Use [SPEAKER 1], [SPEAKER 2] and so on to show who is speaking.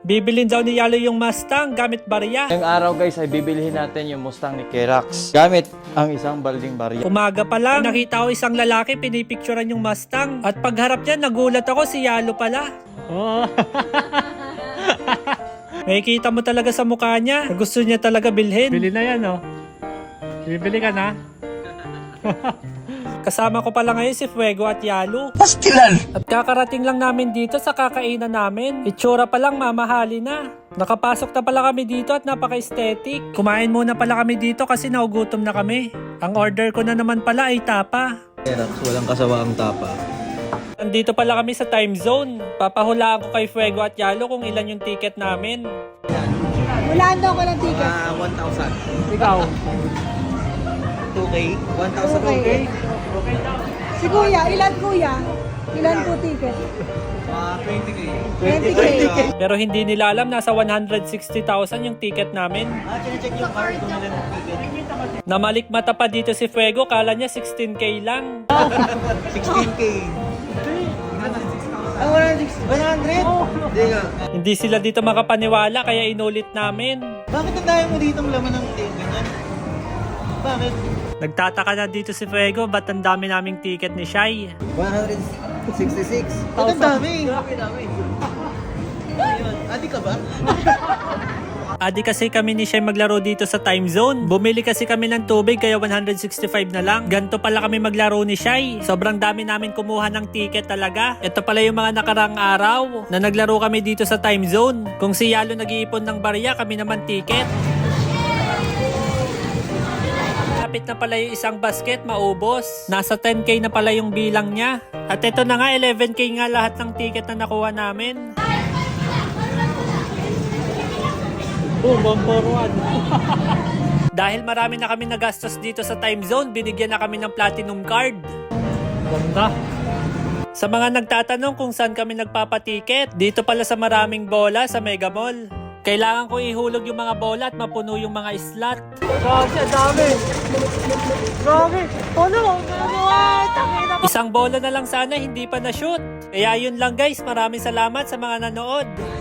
[SPEAKER 1] Bibilin daw ni Yalo yung Mustang gamit barya.
[SPEAKER 2] Ngayong araw guys ay bibilihin natin yung Mustang ni Kerax gamit ang isang balding barya.
[SPEAKER 1] Umaga pa lang, nakita ko isang lalaki pinipicturan yung Mustang. At pagharap niya, nagulat ako, si Yalo pala. Oh. Makikita mo talaga sa mukha niya. Gusto niya talaga bilhin. Bili na yan, oh. Bibili ka na? Kasama ko pala ngayon si Fuego at Yalo. Pastilan! At kakarating lang namin dito sa kakainan namin. Itsura pa lang mamahali na. Nakapasok na pala kami dito at napaka-aesthetic. Kumain muna pala kami dito kasi naugutom na kami. Ang order ko na naman pala ay tapa.
[SPEAKER 2] Kerax, walang kasawaang tapa.
[SPEAKER 1] Nandito pala kami sa time zone. Papahulaan ko kay Fuego at Yalo kung ilan yung ticket namin.
[SPEAKER 3] Hulaan daw ko ng ticket.
[SPEAKER 2] 1,000.
[SPEAKER 1] Ikaw?
[SPEAKER 2] 2K? 1,000
[SPEAKER 3] 2K. Si Kuya, ilan Kuya? Ilan po ticket?
[SPEAKER 2] 20K.
[SPEAKER 3] 20K.
[SPEAKER 1] Pero hindi nila alam, nasa 160,000 yung ticket namin.
[SPEAKER 2] Check yung card kung ilan ang ticket.
[SPEAKER 1] Namalikmata pa dito si Fuego, kala niya 16K lang.
[SPEAKER 2] 16K. Ah, 100? Hindi nga.
[SPEAKER 1] Hindi sila dito makapaniwala kaya inulit namin.
[SPEAKER 2] Bakit ang dami mo dito ang laman ng ganyan? Bakit?
[SPEAKER 1] Nagtataka na dito si Fuego, ba't ang dami naming ticket ni Shai?
[SPEAKER 2] 166. Ba't ang dami? Grabe dami. Ayun, adi ka ba?
[SPEAKER 1] Adi kasi kami ni Shai maglaro dito sa time zone. Bumili kasi kami ng tubig kaya 165 na lang. Ganto pala kami maglaro ni Shai. Sobrang dami namin kumuha ng ticket talaga. Ito pala yung mga nakarang araw na naglaro kami dito sa time zone. Kung si Yalo nag-iipon ng barya, kami naman ticket. Kapit na pala yung isang basket, maubos. Nasa 10K na pala yung bilang niya. At ito na nga, 11K nga lahat ng ticket na nakuha namin. Boom, boom, forward. Dahil marami na kami nagastos dito sa time zone, binigyan na kami ng platinum card. Ganda. Sa mga nagtatanong kung saan kami nagpapatiket, dito pala sa maraming bola sa Mega Mall. Kailangan ko ihulog yung mga bola at mapuno yung mga slot. Grabe, dami. Grabe. Puno. Isang bola na lang sana, hindi pa na-shoot. Kaya yun lang guys, maraming salamat sa mga nanood.